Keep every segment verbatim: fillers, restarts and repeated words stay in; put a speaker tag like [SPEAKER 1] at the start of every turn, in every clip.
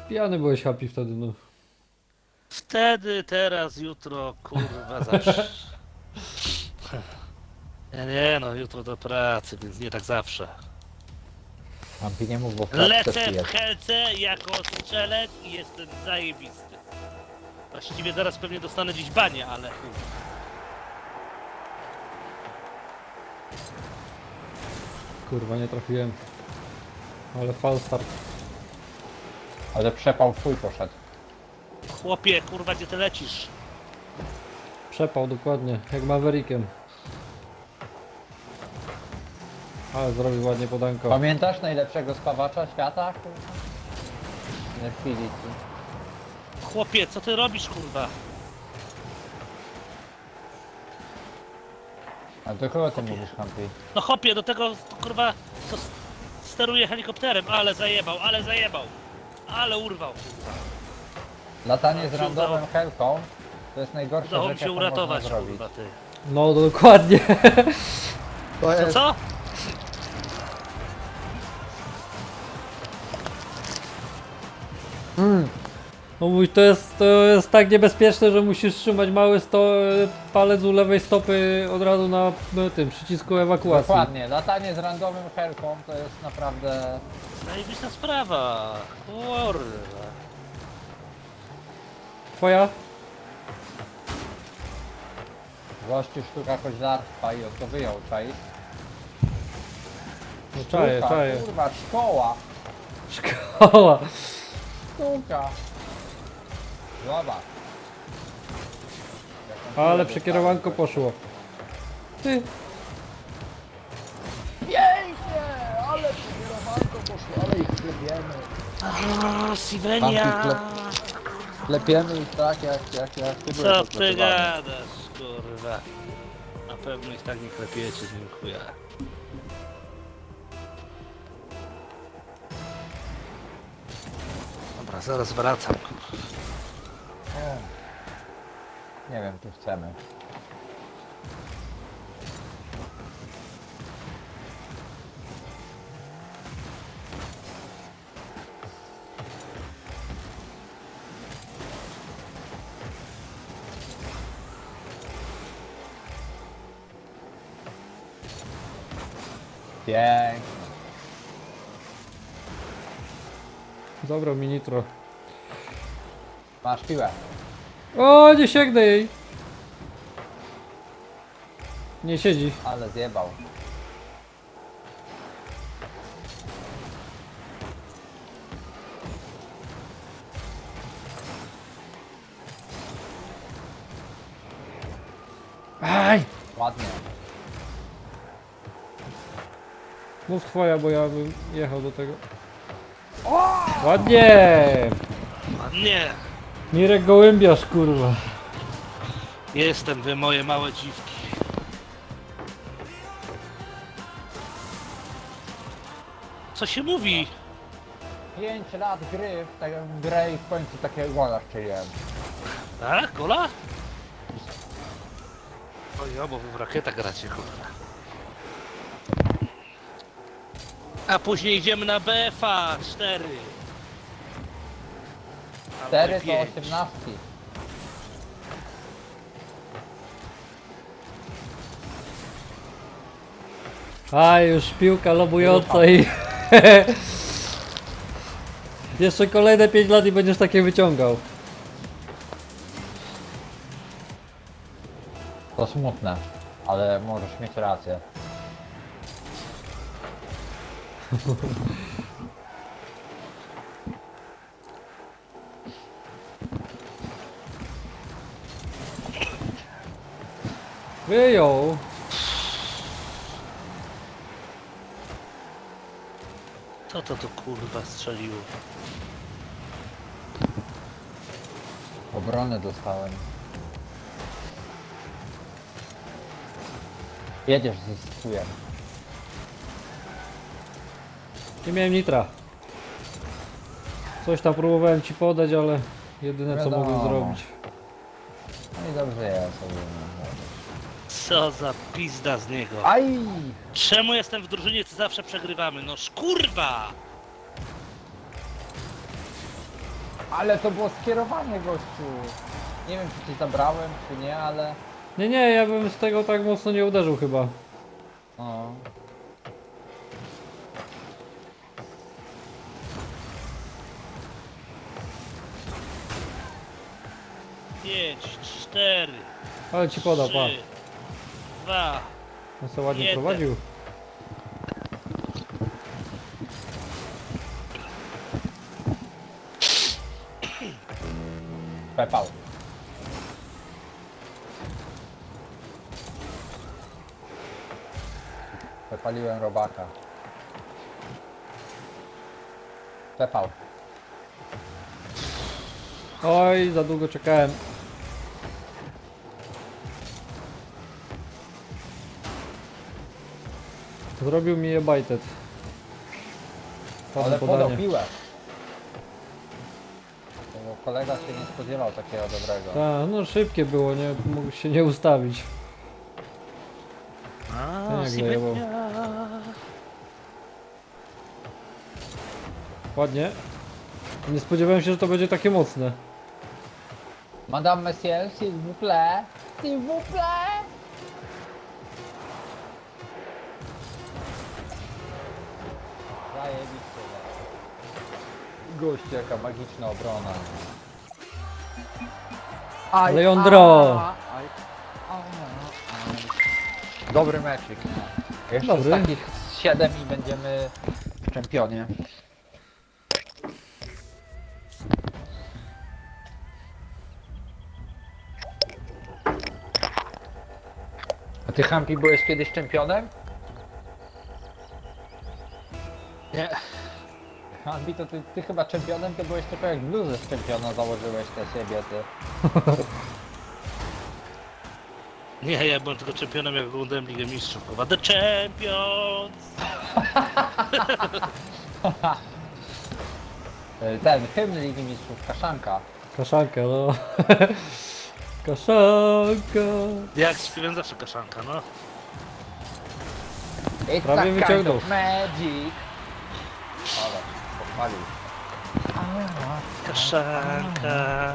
[SPEAKER 1] Pijany byłeś happy wtedy, no.
[SPEAKER 2] Wtedy, teraz, jutro, kurwa, zawsze. Nie, nie, no, jutro do pracy, więc nie tak zawsze.
[SPEAKER 3] Ampi nie mów, bo w klatce
[SPEAKER 2] Lecę w
[SPEAKER 3] pijesz.
[SPEAKER 2] helce jako strzelec i jestem zajebisty. Właściwie zaraz pewnie dostanę dziś banie, ale...
[SPEAKER 1] Kurwa, nie trafiłem. Ale false start.
[SPEAKER 3] Ale przepał twój poszedł.
[SPEAKER 2] Chłopie, kurwa, gdzie ty lecisz?
[SPEAKER 1] Przepał dokładnie, jak Maverickiem. Ale zrobił ładnie podanko.
[SPEAKER 3] Pamiętasz najlepszego spawacza świata? Kurwa? Nie chwili ci.
[SPEAKER 2] Chłopie, co ty robisz, kurwa?
[SPEAKER 3] A do kogo ty mówisz, Ampi?
[SPEAKER 2] No chłopie, do tego, kurwa, co s- steruje helikopterem, ale zajebał, ale zajebał. Ale urwał, kurwa.
[SPEAKER 3] Latanie z
[SPEAKER 2] się
[SPEAKER 3] randomem
[SPEAKER 2] udało.
[SPEAKER 3] helką to jest najgorsza
[SPEAKER 2] Udało mi
[SPEAKER 3] rzecz,
[SPEAKER 2] się
[SPEAKER 3] jaką można
[SPEAKER 2] uratować,
[SPEAKER 3] zrobić.
[SPEAKER 2] kurwa, ty.
[SPEAKER 1] No dokładnie.
[SPEAKER 3] To
[SPEAKER 2] Co,
[SPEAKER 3] jest...
[SPEAKER 2] co?
[SPEAKER 3] Mm.
[SPEAKER 1] No mój, to jest, to jest tak niebezpieczne, że musisz trzymać mały sto, palec u lewej stopy od razu na, na tym przycisku ewakuacji.
[SPEAKER 3] Dokładnie, latanie z randomem helką to jest naprawdę...
[SPEAKER 2] Zajebista sprawa. Kurwa.
[SPEAKER 1] Twoja?
[SPEAKER 3] Gościu sztuka koźlarstwa i od to wyjął, czaisz?
[SPEAKER 1] No czaję,
[SPEAKER 3] Sztuka,
[SPEAKER 1] czaję.
[SPEAKER 3] kurwa, szkoła!
[SPEAKER 1] Szkoła.
[SPEAKER 3] Sztuka! Zobacz.
[SPEAKER 1] Ale przekierowanko poszło. Ty.
[SPEAKER 3] Pięknie! Ale przekierowanko poszło, ale ich klepiemy.
[SPEAKER 2] Aaa, Sivenia!
[SPEAKER 3] Klepiemy ich tak, jak, jak, jak ty byłeś
[SPEAKER 2] Co ty
[SPEAKER 3] oklepywany.
[SPEAKER 2] gadasz, kurwa? Na pewno ich tak nie klepiecie, dziękuję. Dobra, zaraz wracam, kurwa.
[SPEAKER 3] O. Nie wiem, czy chcemy. Pięknie.
[SPEAKER 1] Zabrał mi nitro.
[SPEAKER 3] Masz piłę.
[SPEAKER 1] O, nie sięgnę jej. Nie siedzi.
[SPEAKER 3] Ale zjebał.
[SPEAKER 1] Aj!
[SPEAKER 3] Ładnie.
[SPEAKER 1] Mów twoja, bo ja bym jechał do tego. Ładnie!
[SPEAKER 2] Ładnie!
[SPEAKER 1] Mirek Gołębiarz, kurwa.
[SPEAKER 2] Jestem wy, moje małe dziwki. Co się mówi?
[SPEAKER 3] pięć lat gry w taką grę i w końcu takiego gola strzeliłem.
[SPEAKER 2] Tak? Gola? Oj, bo wy w rakietach gracie, kurwa. A później idziemy na B F A cztery.
[SPEAKER 3] cztery to
[SPEAKER 2] pięć.
[SPEAKER 3] osiemnastki.
[SPEAKER 1] A, już piłka lobująca i... Jeszcze kolejne pięć lat i będziesz takie wyciągał.
[SPEAKER 3] To smutne, ale możesz mieć rację.
[SPEAKER 1] Wyjął.
[SPEAKER 2] Co to tu kurwa strzeliło?
[SPEAKER 3] Obronę dostałem. Jedziesz ze stujem.
[SPEAKER 1] Nie miałem nitra. Coś tam próbowałem ci podać, ale jedyne co
[SPEAKER 3] Wiadomo.
[SPEAKER 1] mogłem zrobić.
[SPEAKER 3] No i dobrze jest. ogólnie.
[SPEAKER 2] Co za pizda z niego.
[SPEAKER 3] Aj!
[SPEAKER 2] Czemu jestem w drużynie, co zawsze przegrywamy? No kurwa!
[SPEAKER 3] Ale to było skierowanie, gościu. Nie wiem, czy ci zabrałem, czy nie, ale...
[SPEAKER 1] Nie, nie, ja bym z tego tak mocno nie uderzył chyba.
[SPEAKER 3] O.
[SPEAKER 2] Pięć, cztery,
[SPEAKER 1] Ale ci podał, pa.
[SPEAKER 2] trzy, dwa.
[SPEAKER 1] On sobie ładnie
[SPEAKER 2] Jeden.
[SPEAKER 1] prowadził.
[SPEAKER 3] Pepał. Przepaliłem robaka. Pepał.
[SPEAKER 1] Oj, za długo czekałem. Zrobił mi je bajtet.
[SPEAKER 3] Ale
[SPEAKER 1] Padło
[SPEAKER 3] podał
[SPEAKER 1] podanie.
[SPEAKER 3] piłę. Bo kolega się nie spodziewał takiego dobrego.
[SPEAKER 1] Tak, no szybkie było, nie mógł się nie ustawić.
[SPEAKER 2] A,
[SPEAKER 1] Ten jak zajebał. Ładnie. Nie spodziewałem się, że to będzie takie mocne.
[SPEAKER 3] Madame Monsieur, s'il vous plaît. S'il vous plaît. Zajebiście. no. Goście, jaka magiczna obrona. Aj,
[SPEAKER 1] Leandro.
[SPEAKER 3] a, aj, a, aj. Dobry meczik. Jeszcze
[SPEAKER 1] Dobry.
[SPEAKER 3] z takich siedem i będziemy w czempionie. A ty, Hampi, byłeś kiedyś czempionem?
[SPEAKER 2] Nie.
[SPEAKER 3] Hampi, to ty, ty chyba czempionem to byłeś tylko jak bluzę z czempiona założyłeś te siebie, ty.
[SPEAKER 2] Nie, ja byłem tylko czempionem, jak oglądałem Ligę Mistrzów. Kurwa, The Champions!
[SPEAKER 3] Ten hymn Ligi Mistrzów, Kaszanka.
[SPEAKER 1] Kaszanka, no. Kaszanka.
[SPEAKER 2] Jak śpiewam zawsze kaszanka, no.
[SPEAKER 3] It's
[SPEAKER 1] Prawie
[SPEAKER 3] a kind
[SPEAKER 1] wyciągnął.
[SPEAKER 3] of magic. Ale, pochwalił.
[SPEAKER 2] Kaszanka.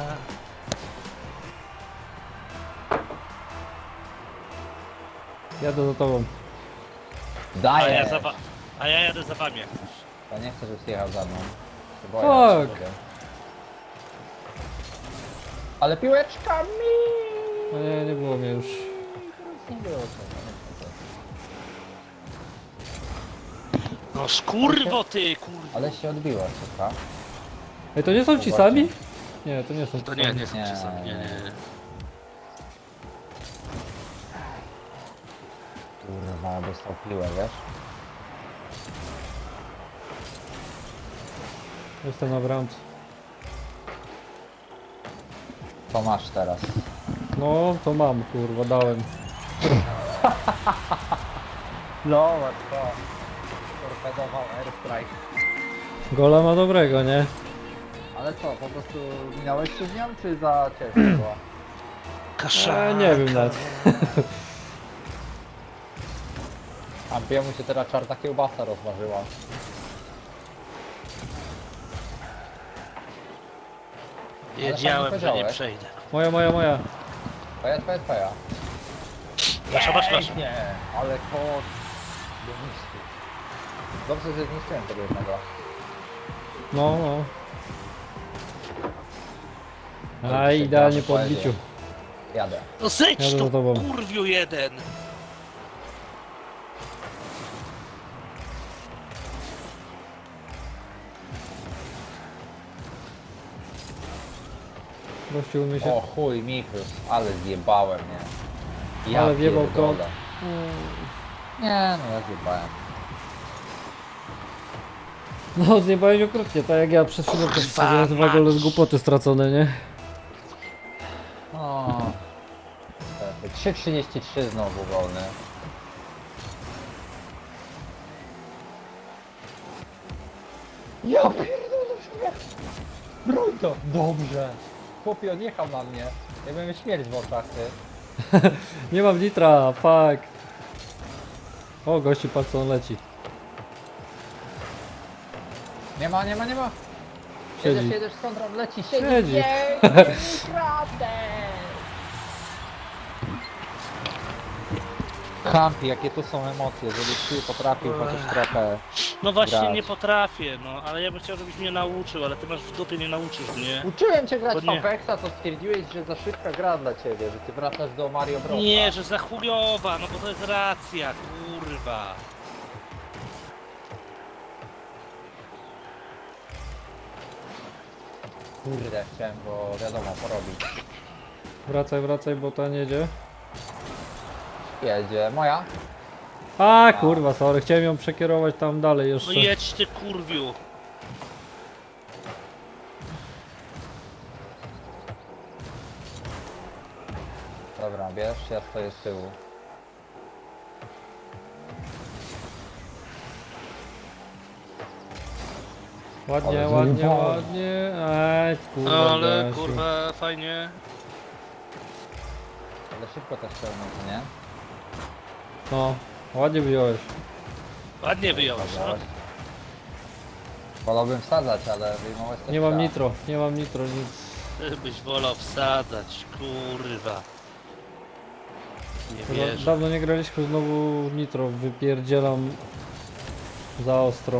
[SPEAKER 1] Jadę za tobą.
[SPEAKER 2] A
[SPEAKER 3] Daję.
[SPEAKER 2] ja, za wa- a ja jadę za wami jak chcesz.
[SPEAKER 3] Ja nie chcę, żebyś jechał za mną. Się boję, że się
[SPEAKER 1] Fuck.
[SPEAKER 3] boję. Ale piłeczkami!
[SPEAKER 1] No nie, nie było mnie już.
[SPEAKER 3] Nie było co.
[SPEAKER 2] No skurwo ty, kurwa.
[SPEAKER 3] Ale się odbiło, słucha.
[SPEAKER 1] Ej, to nie są ci sami? Nie, to nie są ci
[SPEAKER 2] To nie,
[SPEAKER 1] sami.
[SPEAKER 2] nie są
[SPEAKER 3] Nie.
[SPEAKER 2] czasami, nie, nie, nie.
[SPEAKER 3] Kurwa, dostał piłę, wiesz?
[SPEAKER 1] Jestem na bramce.
[SPEAKER 3] To masz teraz.
[SPEAKER 1] No, to mam, kurwa, dałem.
[SPEAKER 3] No, łatwo. Torpedował airstrike.
[SPEAKER 1] Gola ma dobrego, nie?
[SPEAKER 3] Ale co, po prostu minąłeś się z nią, czy za ciężko była?
[SPEAKER 2] Kaszanka.
[SPEAKER 1] E, nie wiem nawet.
[SPEAKER 3] A jemu się teraz czarna kiełbasa rozważyła.
[SPEAKER 2] Wiedziałem,
[SPEAKER 3] Ale
[SPEAKER 2] że nie
[SPEAKER 3] powiedziałeś.
[SPEAKER 2] przejdę.
[SPEAKER 1] Moja, moja, moja.
[SPEAKER 3] Twoja, twoja, twoja.
[SPEAKER 2] Wasza, wasza, wasza.
[SPEAKER 3] Nie, ale kot. Do mistrzu. Dobrze, że zniszczyłem tego jednego.
[SPEAKER 1] No, no.
[SPEAKER 3] Ale
[SPEAKER 1] A
[SPEAKER 3] się
[SPEAKER 1] idealnie
[SPEAKER 3] gra
[SPEAKER 1] po
[SPEAKER 3] w
[SPEAKER 1] odbiciu.
[SPEAKER 3] poezję. Jadę.
[SPEAKER 2] No zejdź
[SPEAKER 1] Jadę
[SPEAKER 2] tu,
[SPEAKER 1] za tobą.
[SPEAKER 2] kurwiu jeden.
[SPEAKER 1] Gościu umie się...
[SPEAKER 3] O chuj, Mikrus, ale zjebałem, nie? Ja
[SPEAKER 1] Ale wjebał
[SPEAKER 3] pierdolę.
[SPEAKER 1] kot.
[SPEAKER 3] Nie, no ja zjebałem.
[SPEAKER 1] No, zjebałeś okrutnie, tak jak ja przed chwilą też wsadziłem dwa gole z głupoty stracone, nie?
[SPEAKER 3] O. trzy trzydzieści trzy znowu wolny. Ja pierdolę śmiech. Broń to. Dobrze. Chłopie odjechał na mnie. Ja miałem śmierć w oczach, ty.
[SPEAKER 1] Nie mam litra, fuck. O, gościu, patrz co on leci.
[SPEAKER 3] Nie ma, nie ma, nie ma. Jedziesz,
[SPEAKER 1] Siedzi.
[SPEAKER 3] jedziesz, skąd on leci, siedzi.
[SPEAKER 1] Siedzi.
[SPEAKER 3] Nie, kratę! Kampi, jakie tu są emocje, żebyś ty potrafił chociaż trochę.
[SPEAKER 2] No właśnie
[SPEAKER 3] grać.
[SPEAKER 2] nie potrafię, no ale ja bym chciał, żebyś mnie nauczył, ale ty masz w dupie, nie nauczysz mnie.
[SPEAKER 3] Uczyłem cię grać
[SPEAKER 2] Bo
[SPEAKER 3] w
[SPEAKER 2] nie.
[SPEAKER 3] Apexa, to stwierdziłeś, że za szybka gra dla ciebie, że ty wracasz do Mario Bros.
[SPEAKER 2] Nie, że za chujowa, no bo to jest racja, kurwa.
[SPEAKER 3] Kurde, chciałem go, wiadomo, porobić.
[SPEAKER 1] Wracaj, wracaj, bo ta nie jedzie.
[SPEAKER 3] Jedzie, moja?
[SPEAKER 1] A kurwa, sorry, chciałem ją przekierować tam dalej
[SPEAKER 2] No
[SPEAKER 1] jeszcze.
[SPEAKER 2] jedź ty kurwiu.
[SPEAKER 3] Dobra, bierz, ja stoję z tyłu.
[SPEAKER 1] Ładnie,
[SPEAKER 3] Ale
[SPEAKER 1] ładnie,
[SPEAKER 3] zajebałem.
[SPEAKER 1] ładnie. Ej, kurwa,
[SPEAKER 2] Ale
[SPEAKER 1] Gasiu.
[SPEAKER 2] kurwa, fajnie.
[SPEAKER 3] Ale szybko też pełno, co nie?
[SPEAKER 1] No, ładnie wyjąłeś.
[SPEAKER 2] Ładnie wyjąłeś, no.
[SPEAKER 3] Zabrałeś. Wolałbym wsadzać, ale wyjmować też
[SPEAKER 1] Nie mam
[SPEAKER 3] trzeba.
[SPEAKER 1] nitro, nie mam nitro, nic.
[SPEAKER 2] Ty byś wolał wsadzać, kurwa. Nie
[SPEAKER 1] Chyba
[SPEAKER 2] wierzę.
[SPEAKER 1] dawno nie graliśmy, znowu nitro wypierdzielam za ostro.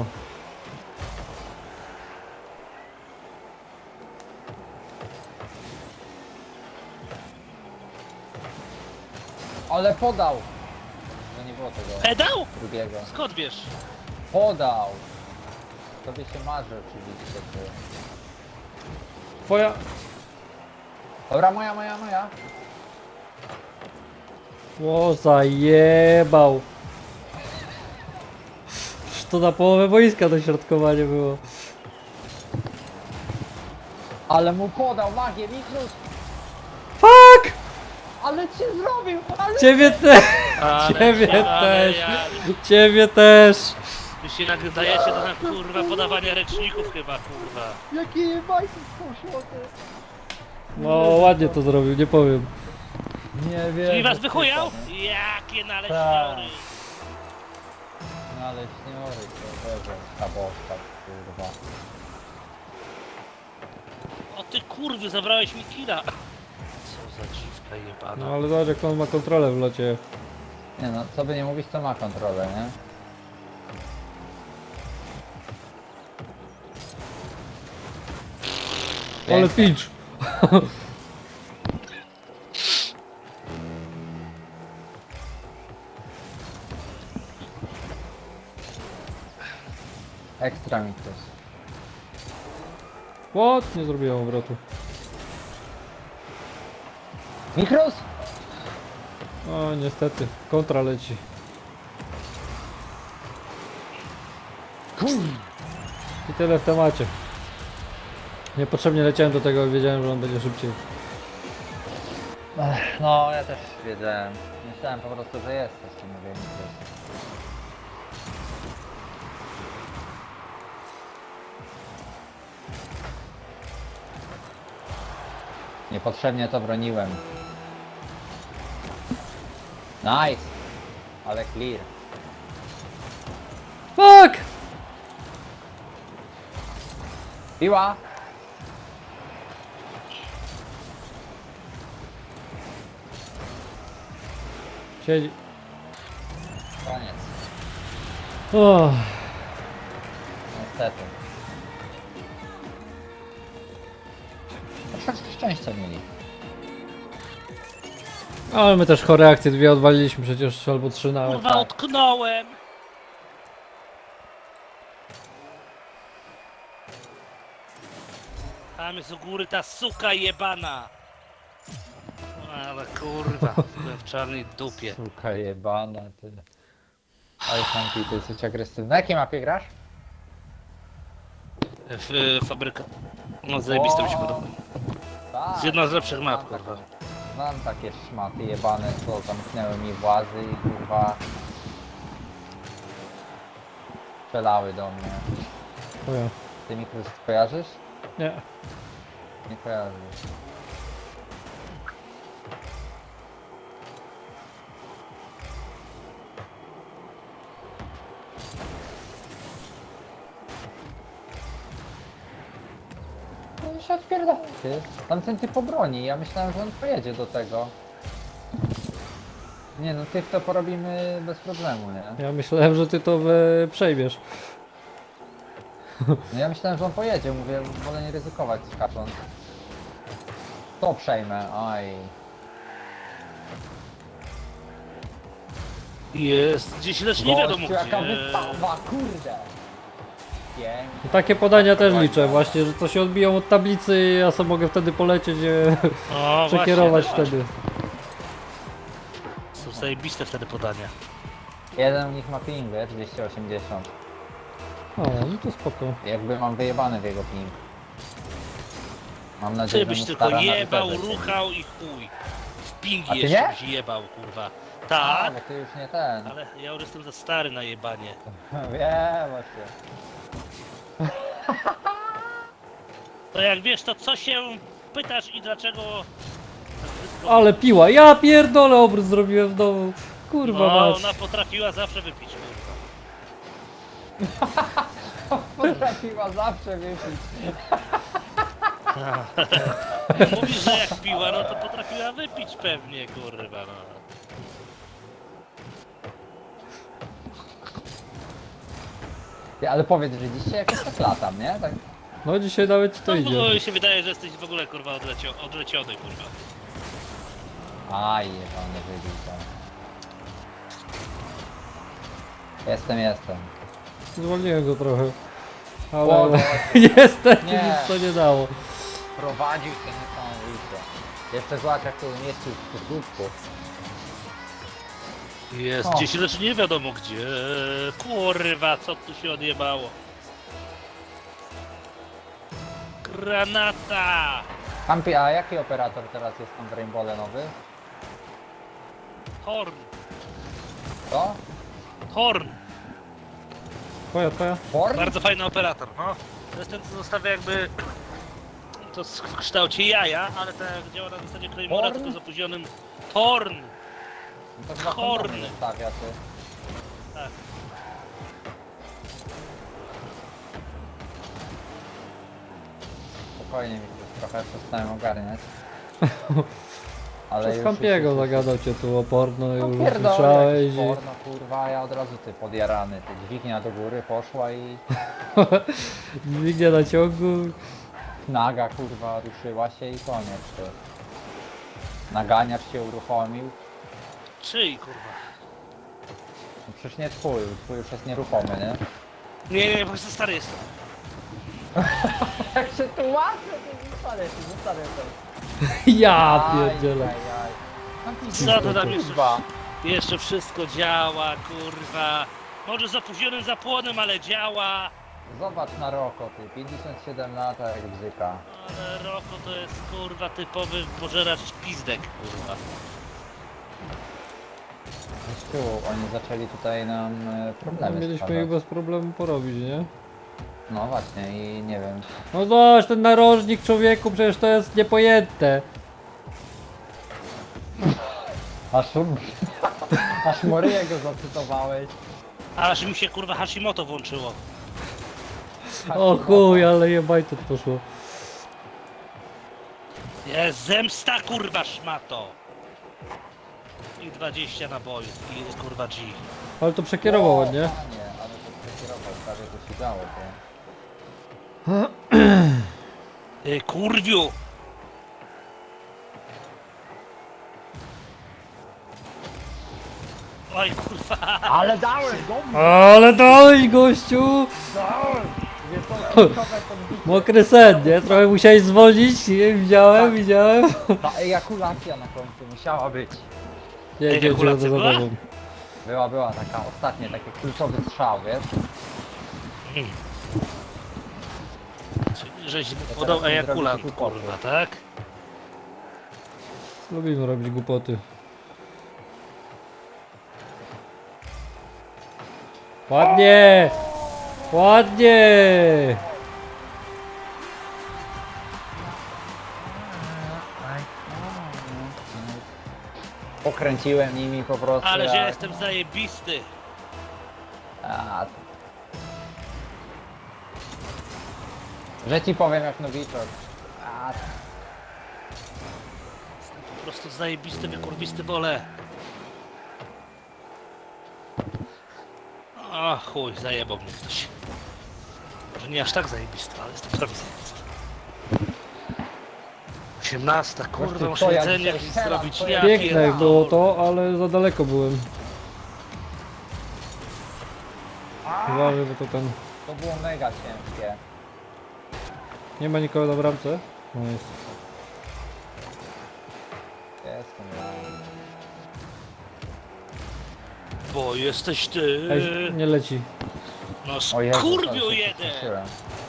[SPEAKER 3] Ale podał! No nie było tego
[SPEAKER 2] Pedał?
[SPEAKER 3] drugiego.
[SPEAKER 2] Skąd wiesz?
[SPEAKER 3] Podał! Tobie się marzy oczywiście, ty.
[SPEAKER 1] Twoja...
[SPEAKER 3] Dobra, moja, moja, moja.
[SPEAKER 1] O, zajebał. Przecież to na połowę boiska dośrodkowanie było.
[SPEAKER 3] Ale mu podał magię, Miklus!
[SPEAKER 1] Fuck!
[SPEAKER 3] Ale cię zrobił! Ale...
[SPEAKER 1] Ciebie też!
[SPEAKER 2] Ale
[SPEAKER 1] Ciebie
[SPEAKER 2] się- ale
[SPEAKER 1] też!
[SPEAKER 2] ja-
[SPEAKER 1] Ciebie też!
[SPEAKER 2] Wy się nagryzajecie do na kurwa podawania ręczników chyba, kurwa.
[SPEAKER 3] Jakie bajki poszło, ty!
[SPEAKER 1] No ładnie to zrobił, nie powiem.
[SPEAKER 3] Nie wiem.
[SPEAKER 2] Czyli was wychujał? Jakie naleśniory.
[SPEAKER 3] No ale śniory, to Boże, skaboszka, kurwa.
[SPEAKER 2] O ty kurwy, zabrałeś mi killa. Co za dziwka jebana.
[SPEAKER 1] No ale zobacz jak on ma kontrolę w locie.
[SPEAKER 3] Nie no, co by nie mówić, to ma kontrolę, nie?
[SPEAKER 1] Ale
[SPEAKER 3] Pięknie.
[SPEAKER 1] pitch!
[SPEAKER 3] Ekstra Miklus.
[SPEAKER 1] What? Nie zrobiłem obrotu.
[SPEAKER 3] Miklus!
[SPEAKER 1] O niestety, kontra leci. I tyle w temacie. Niepotrzebnie leciałem do tego, wiedziałem, że on będzie szybciej.
[SPEAKER 3] Ech, no, ja też wiedziałem. Myślałem po prostu, że jesteś, to mówię Miklus. Niepotrzebnie to broniłem. Nice! Ale clear.
[SPEAKER 1] Fuck!
[SPEAKER 3] Piła!
[SPEAKER 1] Siedzi.
[SPEAKER 3] Koniec.
[SPEAKER 1] O,
[SPEAKER 3] Niestety. Troszeczkę szczęścia mieli.
[SPEAKER 1] ale my też chore akcje dwie odwaliliśmy przecież, albo trzy nawet.
[SPEAKER 2] Kurwa, utknąłem. Tam jest u góry ta suka jebana. Ale kurwa, byłem w czarnej dupie.
[SPEAKER 3] Suka jebana, ty. Oj, Sanki, ty jesteś agresywny. Na jakiej mapie grasz?
[SPEAKER 2] W, w fabryka. No zajebiste mi się podoba.
[SPEAKER 3] Tak.
[SPEAKER 2] Z jedną z lepszych map,
[SPEAKER 3] Znam
[SPEAKER 2] kurwa.
[SPEAKER 3] takie- Znam takie szmaty jebane, co zamknęły mi włazy i kurwa... Strzelały do mnie.
[SPEAKER 1] O ja.
[SPEAKER 3] Ty Miklus kojarzysz?
[SPEAKER 1] Nie.
[SPEAKER 3] Nie kojarzysz. on się odpierdala, ty. Tamten typ obroni, ja myślałem, że on pojedzie do tego. Nie no, tych to porobimy bez problemu, nie?
[SPEAKER 1] Ja myślałem, że ty to we... przejmiesz.
[SPEAKER 3] No ja myślałem, że on pojedzie, mówię, wolę nie ryzykować skacząc. To przejmę, aj.
[SPEAKER 2] Jest gdzieś, lecz nie wiadomo
[SPEAKER 3] Gościu, jaka
[SPEAKER 2] gdzie.
[SPEAKER 3] wystawa, kurde! Pięknie.
[SPEAKER 1] I takie podania też liczę właśnie, że to się odbiją od tablicy i ja sobie mogę wtedy polecieć, e,
[SPEAKER 2] O,
[SPEAKER 1] przekierować
[SPEAKER 2] właśnie,
[SPEAKER 1] wtedy.
[SPEAKER 2] Są zajebiste wtedy podania.
[SPEAKER 3] Jeden z nich ma ping, wiesz, dwieście osiemdziesiąt.
[SPEAKER 1] O, no to spoko.
[SPEAKER 3] Jakby mam wyjebany w jego ping. Mam
[SPEAKER 2] Ty
[SPEAKER 3] nadzieję, że
[SPEAKER 2] byś
[SPEAKER 3] mu
[SPEAKER 2] tylko
[SPEAKER 3] stara na
[SPEAKER 2] jebał,
[SPEAKER 3] wyprzedzę.
[SPEAKER 2] ruchał i chuj. W
[SPEAKER 3] A
[SPEAKER 2] pingi
[SPEAKER 3] ty
[SPEAKER 2] jeszcze
[SPEAKER 3] nie?
[SPEAKER 2] byś jebał, kurwa.
[SPEAKER 3] A,
[SPEAKER 2] Tak,
[SPEAKER 3] bo ty już nie ten.
[SPEAKER 2] ale ja już jestem za stary na jebanie.
[SPEAKER 3] Wiem właśnie.
[SPEAKER 2] To jak wiesz, to co się pytasz i dlaczego... tak brzydko-
[SPEAKER 1] Ale piła, ja pierdolę obrót zrobiłem w domu. Kurwa
[SPEAKER 2] No,
[SPEAKER 1] mać.
[SPEAKER 2] ona potrafiła zawsze wypić, kurwa.
[SPEAKER 3] Potrafiła zawsze wypić.
[SPEAKER 2] Mówisz, że jak piła, no to potrafiła wypić pewnie, kurwa, no.
[SPEAKER 3] Ty, ale powiedz, że dzisiaj jakoś tak latam, nie? Tak.
[SPEAKER 1] No dzisiaj nawet ci to
[SPEAKER 2] No,
[SPEAKER 1] idzie.
[SPEAKER 2] bo mi się wydaje, że jesteś w ogóle, kurwa, odlecio odleciony, kurwa.
[SPEAKER 3] Aj, jebany wybił tam. Jestem, jestem.
[SPEAKER 1] Zwolniłem go trochę.
[SPEAKER 3] O,
[SPEAKER 1] Ale
[SPEAKER 3] no,
[SPEAKER 1] niestety
[SPEAKER 3] Nie.
[SPEAKER 1] nic to nie dało.
[SPEAKER 3] prowadził się niesamowicie. Jeszcze zobacz jak to umieścił w skutku.
[SPEAKER 2] Jest
[SPEAKER 3] O.
[SPEAKER 2] gdzieś, lecz nie wiadomo gdzie. Kurwa, co tu się odjebało? Granata!
[SPEAKER 3] Kampi, a jaki operator teraz jest tam w Rainbowle nowy?
[SPEAKER 2] Horn!
[SPEAKER 3] Co?
[SPEAKER 2] Horn!
[SPEAKER 1] Twoja, twoja.
[SPEAKER 3] Born?
[SPEAKER 2] Bardzo fajny operator, no. To jest ten, co zostawia jakby... To w kształcie jaja, ale tak jak działa na zasadzie Claymora,
[SPEAKER 3] Horn?
[SPEAKER 2] tylko z opóźnionym... Horn!
[SPEAKER 3] To chyba
[SPEAKER 2] Horn.
[SPEAKER 3] kondomy stawia ty.
[SPEAKER 2] Tak.
[SPEAKER 3] Spokojnie mi się trochę przestałem ogarniać. Ale
[SPEAKER 1] Przez
[SPEAKER 3] już-
[SPEAKER 1] Kampiego
[SPEAKER 3] już- już-
[SPEAKER 1] zagadał cię tu o porno i
[SPEAKER 3] No
[SPEAKER 1] już
[SPEAKER 3] pierdolę,
[SPEAKER 1] słyszałeś
[SPEAKER 3] jakiś
[SPEAKER 1] i...
[SPEAKER 3] porno, kurwa, a ja od razu ty podjarany, ty dźwignia do góry poszła i
[SPEAKER 1] Dźwignia na ciągu.
[SPEAKER 3] naga kurwa ruszyła się i koniec ty. Naganiacz się uruchomił.
[SPEAKER 2] Czyj, kurwa?
[SPEAKER 3] No przecież nie twój, twój już jest nieruchomy, nie?
[SPEAKER 2] Nie, nie, po prostu stary jestem.
[SPEAKER 3] Jak się tłumaczę, to zostanę, to zostanę to.
[SPEAKER 1] Ja pierdzielę.
[SPEAKER 2] Co to tam jeszcze?
[SPEAKER 3] Kurwa.
[SPEAKER 2] Jeszcze wszystko działa, kurwa. Może z opóźnionym zapłonem, ale działa.
[SPEAKER 3] Zobacz na Roko, ty, pięćdziesiąt siedem lat, a jak bzyka.
[SPEAKER 2] Ale Roko to jest, kurwa, typowy pożeracz pizdek, kurwa.
[SPEAKER 3] Tu, oni zaczęli tutaj nam e,
[SPEAKER 1] No,
[SPEAKER 3] problemy
[SPEAKER 1] mieliśmy
[SPEAKER 3] stwarzać.
[SPEAKER 1] ich bez problemu porobić, nie?
[SPEAKER 3] No właśnie i nie wiem.
[SPEAKER 1] No zobacz, ten narożnik człowieku, przecież to jest niepojęte.
[SPEAKER 3] Aż, aż Moryję go zacytowałeś.
[SPEAKER 2] Aż mi się, kurwa, Hashimoto włączyło.
[SPEAKER 1] O chuj, ale jebajto poszło.
[SPEAKER 2] Jest zemsta, kurwa, szmato. I dwadzieścia nabojów. I jest, kurwa, G.
[SPEAKER 1] Ale to przekierował ładnie.
[SPEAKER 3] Nie, ale to przekierował, prawie to się działo, to.
[SPEAKER 2] Ty, kurwiu! Oj, kurwa!
[SPEAKER 3] Ale dałem, dobrze,
[SPEAKER 1] Ale dałeś gościu!
[SPEAKER 3] dałem! Nie to kluczowe podbicie.
[SPEAKER 1] Mokry sen, nie? Trochę musiałeś zwolnić, nie? Widziałem, widziałem.
[SPEAKER 3] Ta ejakulacja na końcu musiała być.
[SPEAKER 1] Nie, nie, nie,
[SPEAKER 2] Ejakulacja
[SPEAKER 1] za
[SPEAKER 2] była?
[SPEAKER 1] tobą.
[SPEAKER 3] Była, była taka ostatnia, taki kluczowy strzał, wiesz?
[SPEAKER 2] Czyli żeś mu
[SPEAKER 3] teraz
[SPEAKER 2] podał
[SPEAKER 3] mi
[SPEAKER 2] ejakulant,
[SPEAKER 3] zrobicie głupoty.
[SPEAKER 2] kurwa, tak?
[SPEAKER 1] Lubimy robić głupoty. Ładnie! Ładnie!
[SPEAKER 3] Pokręciłem nimi po prostu.
[SPEAKER 2] Ale że ja
[SPEAKER 3] jak-
[SPEAKER 2] jestem zajebisty.
[SPEAKER 3] A, to- Że ci powiem jak nowiczok. A,
[SPEAKER 2] Jestem po prostu zajebisty, wykurwisty wolę. A chuj, zajebał mnie ktoś. Może nie aż tak zajebisty, ale jestem prawie zajebisty. osiemnasta, kurwa,
[SPEAKER 3] Gościu,
[SPEAKER 2] muszę
[SPEAKER 3] to ja
[SPEAKER 2] jedzenie
[SPEAKER 3] dzisiaj
[SPEAKER 2] jakieś
[SPEAKER 3] strzelam,
[SPEAKER 2] zrobić.
[SPEAKER 3] to
[SPEAKER 2] Ja
[SPEAKER 3] ja-
[SPEAKER 1] Piękne
[SPEAKER 2] pierdolę.
[SPEAKER 1] było to, ale za daleko byłem. Uważaj, bo to ten...
[SPEAKER 3] to było mega ciężkie.
[SPEAKER 1] Nie ma nikogo na bramce? No jest.
[SPEAKER 3] Jestem ja.
[SPEAKER 2] Bo jesteś ty.
[SPEAKER 1] Ej, nie leci.
[SPEAKER 2] No
[SPEAKER 3] O Jezu,
[SPEAKER 2] skurwiu
[SPEAKER 3] ale się
[SPEAKER 2] jeden!
[SPEAKER 3] przestraszyłem.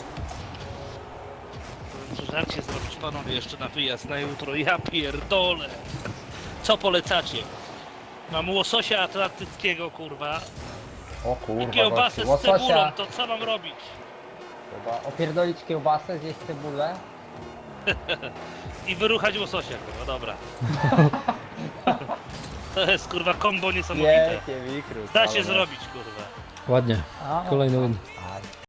[SPEAKER 2] Muszę żarcie zrobić panowie jeszcze na wyjazd na jutro. Ja pierdolę. Co polecacie? Mam łososia atlantyckiego, kurwa.
[SPEAKER 3] O
[SPEAKER 2] I
[SPEAKER 3] kurwa,
[SPEAKER 2] kiełbasę
[SPEAKER 3] gościu,
[SPEAKER 2] z cebulą,
[SPEAKER 3] łososia.
[SPEAKER 2] to co mam robić?
[SPEAKER 3] Chyba opierdolić kiełbasę, zjeść cebulę.
[SPEAKER 2] I wyruchać łososia, kurwa, dobra. To jest kurwa kombo niesamowite.
[SPEAKER 3] Wielkie wikrut.
[SPEAKER 2] Da się zrobić, kurwa.
[SPEAKER 1] Ładnie.
[SPEAKER 3] A,
[SPEAKER 1] Kolejny win.
[SPEAKER 3] a,